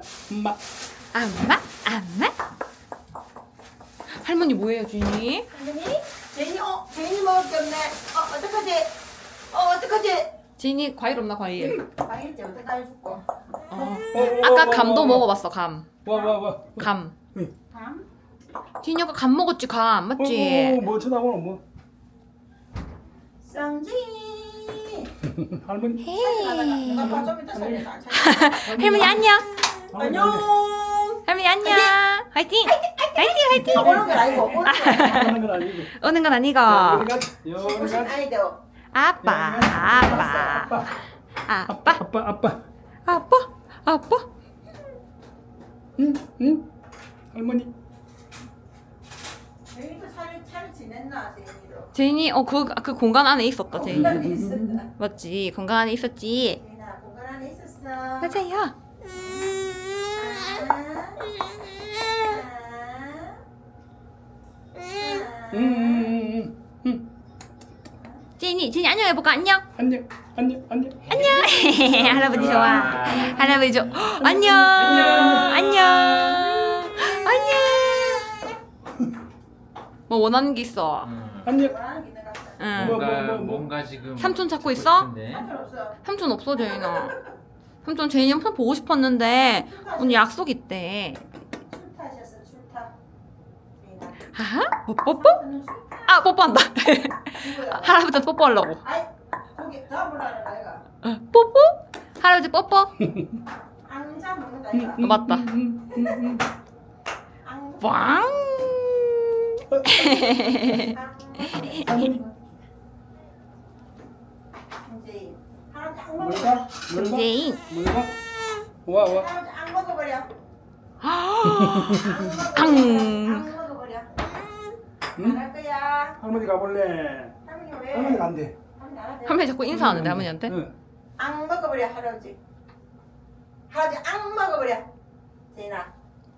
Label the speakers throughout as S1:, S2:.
S1: 엄마.
S2: 안마? 할머니 뭐예요, 주인이?
S3: 할머니? 제인이 먹을 게 없네. 어떡하지?
S2: 주인이 과일 없나, 과일?
S3: 과일지 어떡하지 줄거.
S2: 아까 감도 먹어봤어, 감.
S1: 와.
S2: 감.
S3: 감?
S2: 주인이 아까 감 먹었지, 감. 맞지?
S1: 뭐 쳐다보노 뭐.
S3: 쌍지.
S1: 할머니.
S2: 헤이.
S3: 누가 좀 이따 살려.
S2: 할머니 안녕.
S3: 안녕.
S2: 할머니 안녕. 화이팅! 화이팅!
S3: 오는 건 아니고.
S1: 하는 건 아니고.
S2: 오는 건 아니고.
S3: 무슨 아이디어?
S2: 아빠.
S1: 응? 할머니.
S3: 제인이도 잘 지냈나 제인이도.
S2: 제인이 그 공간 안에 있었다, 제인이.
S3: 공간에 있었다.
S2: 맞지? 공간 안에 있었지.
S3: 제인아 공간 안에 있었어.
S2: 맞아요.
S1: 응.
S2: 제인이 안녕 해볼까? 안녕.
S1: 안녕.
S2: 할아버지 좋아. 할아버지 좋아. 안녕. 뭐 원하는 게 있어.
S1: 안녕.
S2: 응.
S4: 뭔가 지금
S2: 삼촌 찾고 있어?
S4: 싶은데.
S2: 삼촌 없어, 제인아. 삼촌 제인이 엄청 보고 싶었는데 오늘 약속 있대.
S3: 출타하셨어 출타. 제인아.
S2: 하하? 뽀뽀뽀? 아, 뽀뽀한다. 할아버지한테 뽀뽀하려고.
S3: 아이 거기 다 보라는 아이가.
S2: 뽀뽀? 할아버지 뽀뽀?
S3: 앙자 먹는다 아이가.
S2: 맞다.
S3: 앙.
S2: 왕.
S3: 이제 할아버지 앙 먹어.
S1: 뭘까?
S2: 제인.
S1: 와.
S3: 할아버지 앙 먹어버려.
S2: 앙.
S3: 앙 먹어버려.
S1: 응?
S3: 안 할 거야.
S1: 할머니 가볼래.
S3: 할머니 왜?
S1: 할머니 간대.
S3: 할머니 안 한대.
S2: 할머니 자꾸 인사하는데 할머니한테?
S1: 응.
S3: 앙 먹어버려 할아버지. 할아버지 앙 먹어버려. 제인아.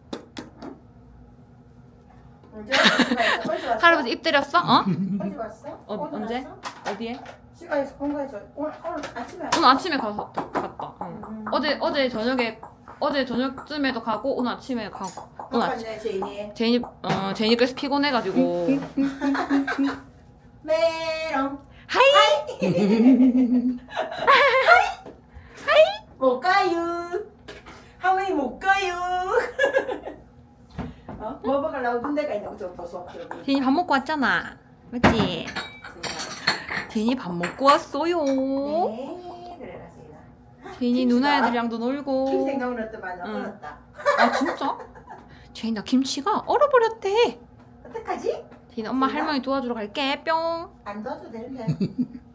S3: 언제 왔어?
S2: 할아버지 입 때렸어? 어?
S3: 언제 왔어? 오늘
S2: 언제?
S3: 왔어?
S2: 어디에?
S3: 시간에서 공부해서 오늘 아침에 왔어.
S2: 오늘 아침에 갔다. 응. 어제 저녁쯤에도 가고 오늘 아침에 가고. 오늘 아침.
S3: 네 제인이.
S2: 제인이 그래서 피곤해가지고.
S3: 메롱.
S2: 하이.
S3: 못 가요. 할머니 못 가요. 뭐 먹으려고 둔 데가 있냐고 좀 보소.
S2: 제인이 밥 먹고 왔잖아. 맞지? 제인이 밥 먹고 왔어요.
S3: 네, 그래라 제인아.
S2: 제인이 누나 애들이랑도 놀고.
S3: 김 생각은 어떠만
S2: 응.
S3: 얼었다.
S2: 아 진짜? 제인 나 김치가 얼어버렸대.
S3: 어떡하지?
S2: 제인 엄마 할머니 도와주러 갈게 뿅.
S3: 안 도와줘도 되는데.